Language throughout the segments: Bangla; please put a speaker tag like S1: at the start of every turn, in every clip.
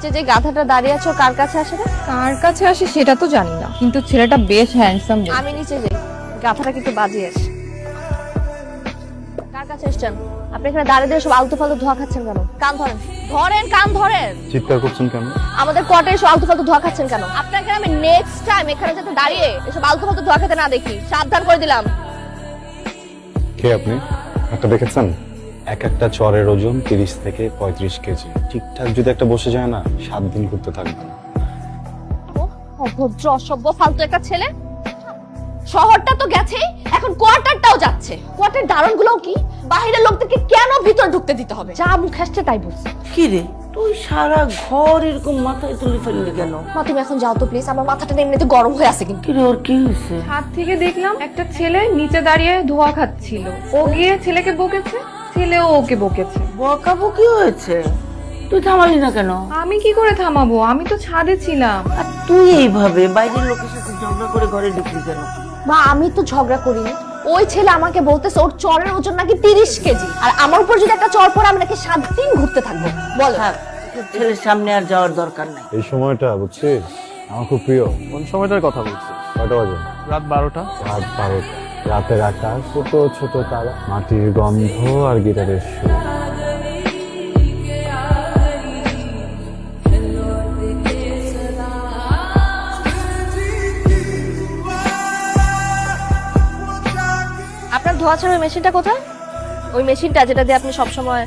S1: নিচে যে গাধাটা দাঁড়িয়ে আছো কার কাছে আসে না?
S2: কার কাছে আসে সেটা তো জানি না, কিন্তু ছেলেটা বেশ হ্যান্ডসাম।
S1: আমি নিচে যাই, গাধাটা কিন্তু বাজিয়ে আসে। কার কাছে এসছেন? আপনি এখানে দাঁড়িয়ে দিয়ে সব আলতু ফালতু ধোয়া খাচ্ছেন কেন? কান ধরেন, ধরেন কান ধরেন।
S3: চিৎকার করছেন কেন?
S1: আমাদের কোয়ার্টারে এসব আলতু ফালতু ধোয়া খাচ্ছেন কেন? আপনাকে আমি নেক্সট টাইম এখানে যাতে দাঁড়িয়ে এসব আলতু ফালতু ধোয়া খেতে না দেখি, সাবধান করে দিলাম।
S3: কে আপনি? একটা দেখেছেন? এক একটা চরের ওজন 30 থেকে 35 কেজি। ঠিকঠাক যদি একটা বসে যায় না, 7 দিন ঘুরতে থাকবে না।
S1: অভদ্র অসভ্য ফালতু একটা ছেলে। শহরটা তো গেছে, এখন কোয়ার্টারটাও যাচ্ছে। কোয়ার্টার দারণগুলোও কি বাইরের লোকদেরকে কেন ভিতর ঢুকতে দিতে হবে? যা মুখ আসছে তাই বলছে।
S4: কি রে তুই সারা ঘর এরকম মাথায় তুলে ফেললি কেন?
S1: মা তুমি এখন যাও তো প্লিজ, আমার মাথাটা এমনিতে গরম হয়ে আছে। কিন্তু
S4: কি রে ওর কি হয়েছে?
S2: ছাদ থেকে দেখলাম একটা ছেলে নিচে দাঁড়িয়ে ধোয়া খাচ্ছিল। ও গিয়ে ছেলেকে বকেছে, ছেলেও ওকে বকেছে।
S4: বকাবকি হয়েছে? তুই থামালি না কেন?
S2: আমি কি করে থামাবো? আমি তো ছাদে ছিলাম।
S4: আর তুই এইভাবে বাইরের লোকের সাথে ঝগড়া করে ঘরে ঢুকলি কেন?
S1: মা আমি তো ঝগড়া করিনি, ওই ছেলে আমাকে বলতেছে ওর চরের ওজন নাকি 30 কেজি, আর আমার উপর যদি একটা চর পড়ে আমি নাকি 7 দিন ঘুরতে থাকবো। বল
S4: থাক, তোর ছেলের সামনে আর যাওয়ার দরকার নাই।
S3: এই সময়টা বুঝছিস আমার খুব প্রিয়।
S5: কোন সময়টার কথা বলছিস?
S3: কয়টা বাজে?
S5: রাত 12টা।
S3: রাত 12টা। রাতের আকাশ, ছোট ছোট তারা, মাটির গন্ধ আর গিটারের সুর।
S1: আপনার ধোয়া ছাড়ার মেশিনটা কোথায়? ওই মেশিনটা যেটা দিয়ে আপনি সবসময়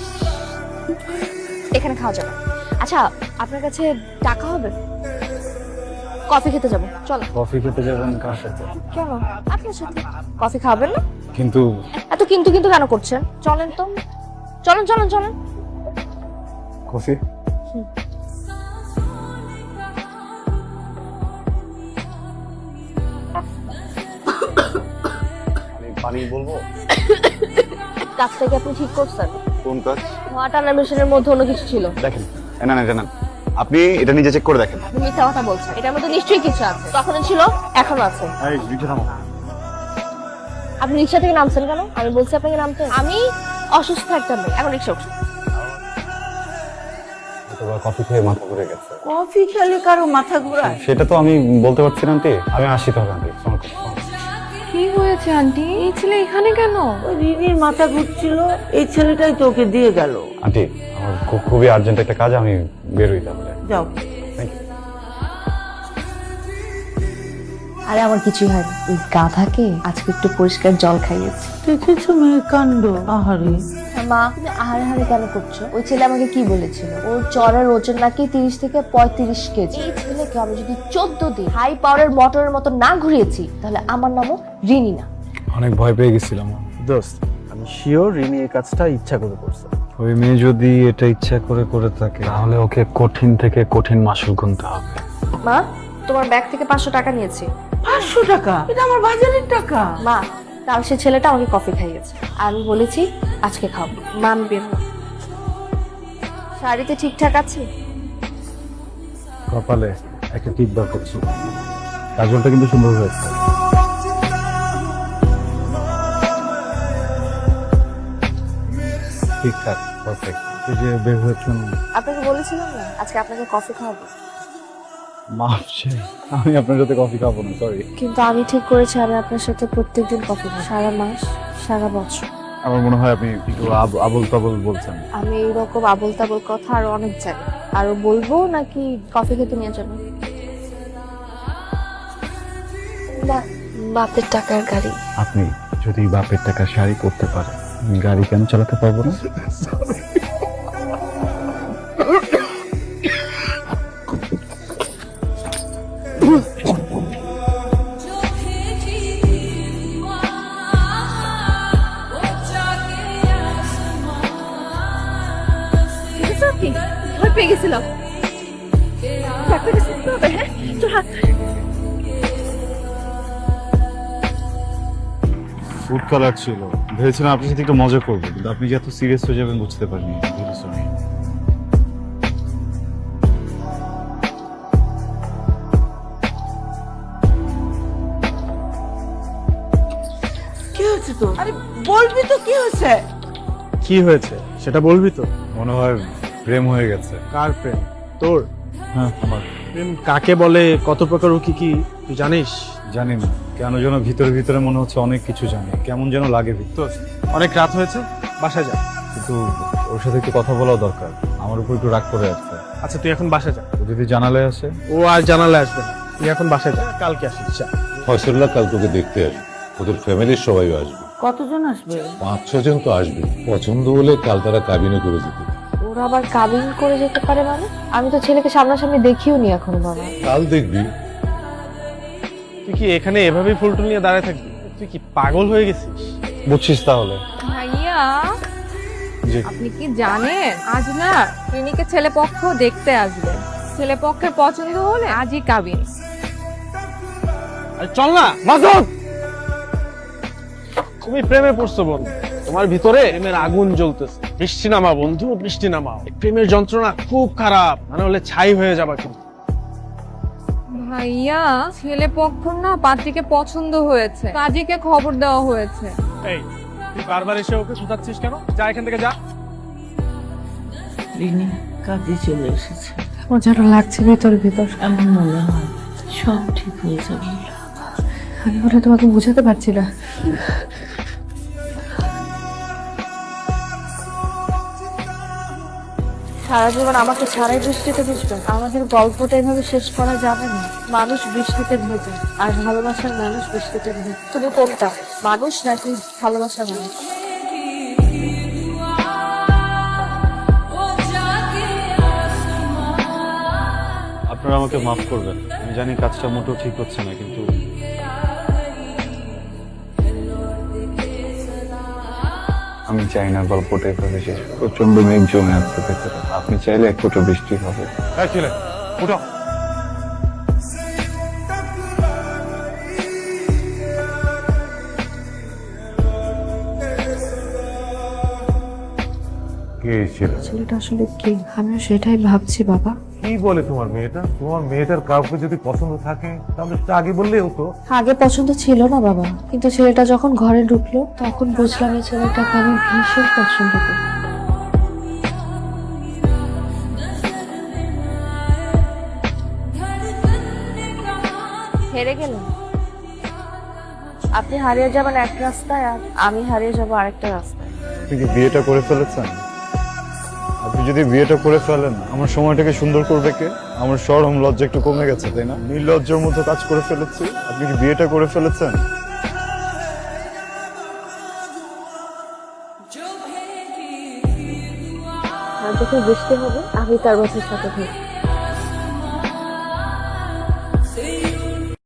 S1: এখানে খাওয়া যাবে। আচ্ছা আপনার কাছে টাকা হবে? কফি খেতে যাবো, চলো।
S3: কফি খেতে যাবেন কার সাথে?
S1: কেন? আপনার সাথে। কফি খাবেন না?
S3: কিন্তু
S1: এত কিন্তু কিন্তু কেন করছেন? চলেন তো, চলেন চলেন চলেন।
S3: কফি পানি বলবো?
S1: কাজটা কি আপনি ঠিক করছেন?
S3: কোন কাজ?
S1: ধোয়া টানার মেশিনের মধ্যে অন্য কিছু ছিল।
S3: দেখেন, না না জানেন, আপনি এটা নিজে চেক করে দেখেন।
S1: আপনি মিথ্যা কথা বলছেন, এটার মধ্যে নিশ্চয়ই কিছু আছে। তখনও ছিল, এখনো আছে।
S3: এই রিক্সা থামাও।
S1: আপনি রিক্সা থেকে নামছেন কেন? আমি বলছি আপনাকে নামতে। আমি অসুস্থ একটা মেয়ে, এখন রিক্সা উঠছি।
S3: অথবা কফি খেয়ে মাথা ঘুরে গেছে।
S4: কফি খেলে কারো মাথা ঘোরায়?
S3: সেটা তো আমি বলতে পারছি না আন্টি। আমি আসি তবে আন্টি।
S2: কি হয়েছে আন্টি? এই ছেলে এখানে কেন?
S4: ওই রিনির মাথা ঘুরছিল, এই ছেলেটাই তোকে দিয়ে গেল।
S3: আন্টি আমার খুবই আর্জেন্ট একটা কাজ, আমি বেরোই তাহলে।
S4: যাও।
S3: Thank you.
S1: আরে আমার কিছুই হয়নি, ওই গাধাকে আজকে একটু পরিষ্কার জল খাইয়েছি।
S4: দেখেছো মেয়ের কাণ্ড? আহারে।
S1: মা তুমি আহারে হারে কেন করছো? ওই ছেলে আমাকে কি বলেছিল? ওর চরের ওজন নাকি 30 থেকে 35 কেজি। এই ছেলেকে আমি যদি 14 দিন হাই পাওয়ারের মোটরের মতো না ঘুরিয়েছি, তাহলে আমার নামও রিনি না।
S3: অনেক ভয় পেয়ে গেছিলাম।
S5: দোস্ত, আমি শিওর রিনি এই কাজটা ইচ্ছা করে করছে।
S3: ওই মেয়ে যদি এটা ইচ্ছা করে করে থাকে, তাহলে ওকে কঠিন থেকে কঠিন মাসুল গুনতে হবে।
S1: মা তোমার ব্যাগ থেকে 500 টাকা নিয়েছি।
S4: 500 টাকা? এটা আমার বাজারের টাকা।
S1: মা কাল সে ছেলেটা আমাকে কফি খাইয়েছে, আমি বলেছি আজকে খাবো। মা আমি বের হলাম। শাড়িতে ঠিকঠাক আছে?
S3: কপালে একটা টিপ বার করছি, কাজলটা কিন্তু সুন্দর হয়েছে। ঠিকঠাক, পারফেক্ট। এই যে বের হয়েছেন,
S1: আপনাকে বলেছিলাম না আজকে আপনাকে কফি খাওয়াবো।
S3: মাফ চাই, আমি আপনার সাথে কফি খাবো না, সরি।
S1: কিন্তু আমি ঠিক করেছি আমি আপনার সাথে প্রত্যেকদিন কফি খাবো, সারা মাস সারা বছর।
S3: আমার মনে হয় আপনি একটু আবল তাবল বলছেন।
S1: আমি এইরকম আবল তাবল কথা আরো অনেক জানি, আরো বলবো নাকি কফি খেতে নিয়ে যাবো? বাপের টাকার গাড়ি।
S3: আপনি যদি বাপের টাকা শাড়ি করতে পারেন, গাড়ি কেন চালাতে পারবো না?
S1: ভয় পেয়ে গেছিলাম।
S3: ফুড কালার ছিল, ভেবেছিলাম আপনার সাথে একটু মজা করবো, কিন্তু আপনি যে এত সিরিয়াস হয়ে যাবেন বুঝতে পারিনি। সরি।
S4: কি হয়েছে তো? আরে বলবি তো কি হয়েছে?
S5: কি হয়েছে সেটা বলবি তো?
S3: মনে হয় প্রেম হয়ে গেছে।
S5: কার প্রেম? তোর
S3: হ্যাঁ আমার।
S5: প্রেম কাকে বলে, কত প্রকার ও কি কি তুই জানিস?
S3: জানি না কেন যেন ভিতরে ভিতরে মনে হচ্ছে অনেক কিছু জানি, কেমন যেন লাগে
S5: তোর অনেক রাত হয়েছে, বাসায় যা।
S3: কিন্তু ওর সাথে একটু কথা বলাও দরকার, আমার উপর একটু রাগ করে আছে।
S5: আচ্ছা তুই এখন বাসায় যা।
S3: ও যদি জানালে আসে?
S5: ও আর জানালে আসবে না, তুই এখন বাসায় যা, কালকে আসিস যা।
S6: ফয়সল্লাহ কাল তোকে দেখতে আসবে, ওদের ফ্যামিলির সবাই আসবে,
S4: কতজন আসবে?
S6: 5-6 জন তো আসবে। পছন্দ হলে কাল তারা কাবিনে করে দিতে।
S2: ওরা আবার কাবিন করে যেতে পারে মানে? আমি তো ছেলেকে সামনাসামনি দেখিও নি এখনো বাবা।
S6: কাল দেখবি।
S5: তুই কি এখানে এভাবেই ফুলটুল নিয়ে দাঁড়ায় থাকবি? তুই কি পাগল হয়ে গেছিস?
S3: বুঝছিস তাহলে?
S2: ভাইয়া
S3: জি।
S2: আপনি কি জানেন আজ না ক্লিনিকে ছেলে পক্ষ দেখতে আসবে, ছেলে পক্ষের পছন্দ হলে আজই কাবিন।
S5: আরে চল না মাসুদ, তুমি প্রেমে পড়ছো বন্ধু, তোমার ভিতরে প্রেমের আগুন জ্বলতেছে। বৃষ্টি নামা বন্ধু, বৃষ্টি নামা। এই প্রেমের যন্ত্রণা খুব খারাপ, মানে হলে ছাই হয়ে যাবা কিন্তু।
S2: ভাইয়া ছেলে পক্ষ না পাত্রীকে পছন্দ হয়েছে, কাজীকে খবর দেওয়া হয়েছে।
S5: এই তুই বারবার এসে ওকে শুধাচ্ছিস কেন? যা এখান থেকে যা।
S4: রিনি কাজে চলে এসেছে,
S2: আমার যেন লাগছে ভিতর ভিতর।
S4: এমন মনে হয় সব ঠিক হয়ে যাবে।
S2: আমি ওটা তোমাকে বোঝাতে পারছি না। সারা জীবন আমাকে ছাড়াই বৃষ্টিতে ভিজবে? আমাদের গল্পটা এভাবে শেষ করা যাবে না। মানুষ বৃষ্টিতে ভেজে, আর ভালোবাসার মানুষ বৃষ্টিতে ভেজে। তুমি কোনটা, মানুষ নাকি ভালোবাসার মানুষ?
S3: আপনারা আমাকে মাফ করবেন, আমি জানি কাজটা মোটেও ঠিক হচ্ছে না, কিন্তু আমি চাই না গল্পটা এভাবে শেষ। প্রচন্ড মেঘ জমে আছে ভেতরে, আপনি চাইলে এক ফোঁটা বৃষ্টি হবে।
S5: উঠো।
S6: কে ছিল?
S2: ছেলেটা আসলে কি, আমিও সেটাই ভাবছি বাবা।
S7: কি বলে তোমার মেয়েটা? তোমার মেয়েটার কাউকে যদি পছন্দ থাকে তাহলে সেটা আগে বললেই হতো।
S2: আগে পছন্দ ছিল না বাবা, কিন্তু ছেলেটা যখন ঘরে ঢুকলো তখন বুঝলাম এই ছেলেটাকে আমি ভীষণ পছন্দ করি। হেরে গেলেন আপনি, হারিয়ে যাবেন এক রাস্তায় আর আমি হারিয়ে যাবো আরেকটা রাস্তায়।
S3: আপনি কি বিয়েটা করে ফেলেছেন? আপনি যদি বিয়েটা করে ফেলেন, আমার সময়টাকে সুন্দর করবে কে? আমার শরম লজ্জা একটু কমে গেছে, তাই না? নির্লজ্জার মতো কাজ করে ফেলেছি। আপনি কি বিয়েটা করে ফেলেছেন?
S2: আর যখন বৃষ্টি হবে আমি তার বাসার সাথে থাকবো।